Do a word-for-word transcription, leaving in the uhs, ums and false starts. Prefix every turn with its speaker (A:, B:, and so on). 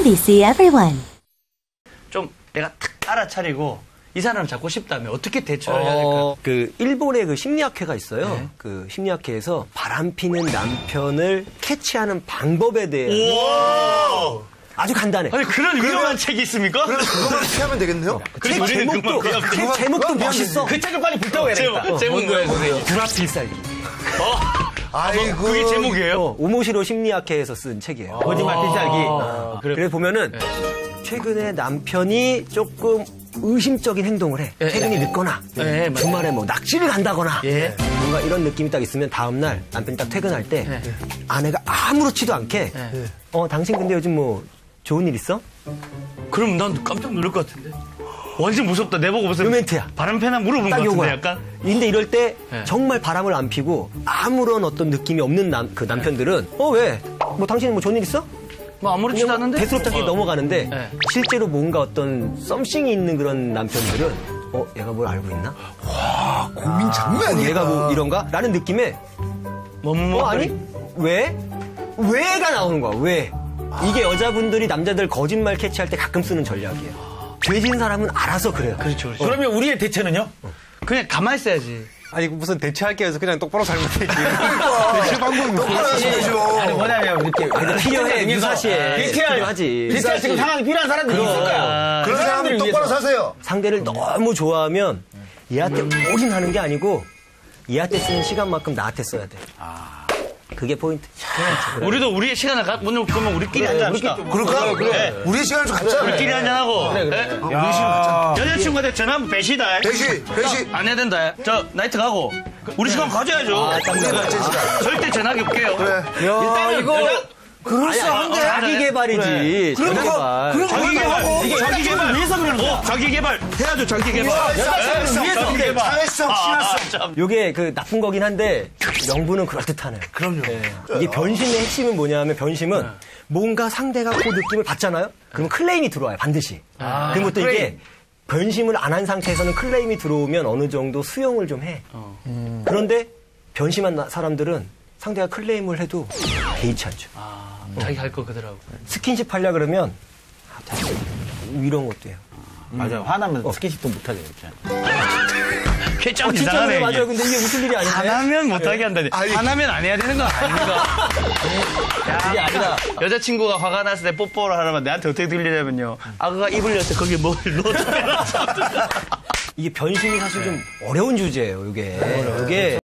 A: 엠비씨 Everyone.
B: 좀 내가 탁 알아차리고 이 사람을 잡고 싶다면 어떻게 대처를 해야 될까?
C: 어, 그 일본의 그 심리학회가 있어요.
B: 네.
C: 그 심리학회에서 바람피는 남편을 캐치하는 방법에 대해
B: 우와!
C: 아주 간단해.
B: 아니 그런 위험한 책이 있습니까?
D: 그래서 그거만 피하면 되겠네요?
B: 그래서
C: 책
B: 우리는
C: 제목도
B: 그만
C: 책
B: 그만
C: 제목도
D: 그만
C: 멋있어.
B: 그 책을 빨리 불타고 해야 되겠다.
C: 어,
B: 제목 뭐예요, 선생님?
C: 불합필살기.
B: 어?
D: 아이고.
B: 그게 제목이에요?
C: 어, 오모시로 심리학회에서 쓴 책이에요.
B: 거짓말 필살기.
C: 어, 그래 보면은 최근에 남편이 조금 의심적인 행동을 해.
B: 예,
C: 퇴근이
B: 예.
C: 늦거나
B: 예, 맞아요.
C: 주말에 뭐 낚시를 간다거나
B: 예.
C: 뭔가 이런 느낌이 딱 있으면 다음날 남편이 딱 퇴근할 때
B: 예.
C: 아내가 아무렇지도 않게
B: 예.
C: 어 당신 근데 요즘 뭐 좋은 일 있어?
B: 그럼 난 깜짝 놀랄 것 같은데. 완전 무섭다. 내보고 무슨
C: 로맨트야.
B: 바람 패나 물어본 것
C: 딱
B: 같은데
C: 요거야.
B: 약간.
C: 근데 이럴 때
B: 예.
C: 정말 바람을 안 피고 아무런 어떤 느낌이 없는 남, 그 남편들은 어 왜? 뭐 당신 뭐 좋은 일 있어?
B: 뭐 아무렇지도
C: 그냥
B: 않은데.
C: 대수롭게
B: 어.
C: 넘어가는데
B: 예.
C: 실제로 뭔가 어떤 썸씽이 있는 그런 남편들은 어 얘가 뭘 알고 있나?
D: 와, 고민 장난 아니야.
C: 얘가 뭐 이런가? 라는 느낌에
B: 뭐뭐
C: 어 아니 왜? 왜가 나오는 거야 왜? 이게 여자분들이 남자들 거짓말 캐치할 때 가끔 쓰는 전략이에요. 죄진 사람은 알아서 그래요.
B: 그렇죠. 그렇죠.
E: 그러면 우리의 대처는요?
B: 그냥 가만히 있어야지.
F: 아니 무슨 대처할 게 해서 그냥 똑바로 잘못했지.
D: 대체 방법이 똑바로 하셔야죠.
E: 아니 뭐냐면 이렇게
C: 근데 필요해,
E: 의해서
C: 유사시에.
E: 대체할
C: 필요하지.
E: 대체할 지금 상황이 필요한 사람들이 있을 거야.
B: 아,
D: 그런 사람들 똑바로 사세요.
C: 상대를 너무 좋아하면 얘한테 올인하는 게 아니고 얘한테 쓰는 시간만큼 나한테 써야 돼. 그게 포인트.
B: 우리도 우리의 시간을 가, 오늘 그러면 우리끼리 한잔 합시다.
D: 그럴까?
B: 그래.
D: 우리의 시간을 좀 갖자.
B: 우리끼리 한잔하고. 그래, 그래.
D: 우리 시간 갖자.
B: 여자친구한테 전화 한번 배시다.
D: 배시, 배시.
B: 안 해야 된다. 저 나이트 가고. 우리 시간 가져야죠.
D: 우리 맞는 시간.
B: 절대 전화기 없게요.
D: 그래.
B: 일단은
C: 이거
B: 여자-
C: 그럴싸한데 자기 개발이지. 자기 개발.
B: 자기 개발.
E: 이게
B: 자기 개발
E: 위해서 그러는 거야.
B: 어, 자기 개발 해야죠. 자기 개발.
D: 여자친구를 위해서.
B: 자기 개발.
D: 사회성, 친화성.
C: 요게 그 나쁜 거긴 한데 명분은 그럴듯하네.
D: 그럼요.
C: 이게 변심의 핵심은 뭐냐면 변심은 뭔가 상대가 그 느낌을 받잖아요. 그럼 클레임이 들어와요 반드시. 그럼 또 이게 변심을 안 한 상태에서는 클레임이 들어오면 어느 정도 수용을 좀 해. 음. 그런데 변심한 나- 사람들은 상대가 클레임을 해도 개의치 않죠.
B: 아, 자기 할 거 그대로하고.
C: 스킨십 하려 그러면 아, 자, 이런 것도 해요.
E: 맞아. 화나면 스킨십도 못하게 됐잖아.
B: 그게 좀
C: 어, 진짜
B: 이상하네.
C: 그래,
B: 이게.
C: 맞아요. 근데 이게 무슨 일이 아닌데.
B: 하나면 못하게 한다니.
D: 아니.
B: 하나면 안 해야 되는 거 아닌가?
C: 그게 아니라
B: 여자친구가 화가 났을 때 뽀뽀를 하려면 내한테 어떻게 들리냐면요. 아그가 입을 열 때 거기에 뭘 넣어줘.
C: 이게 변심이 사실 좀 어려운 주제예요. 이게 이게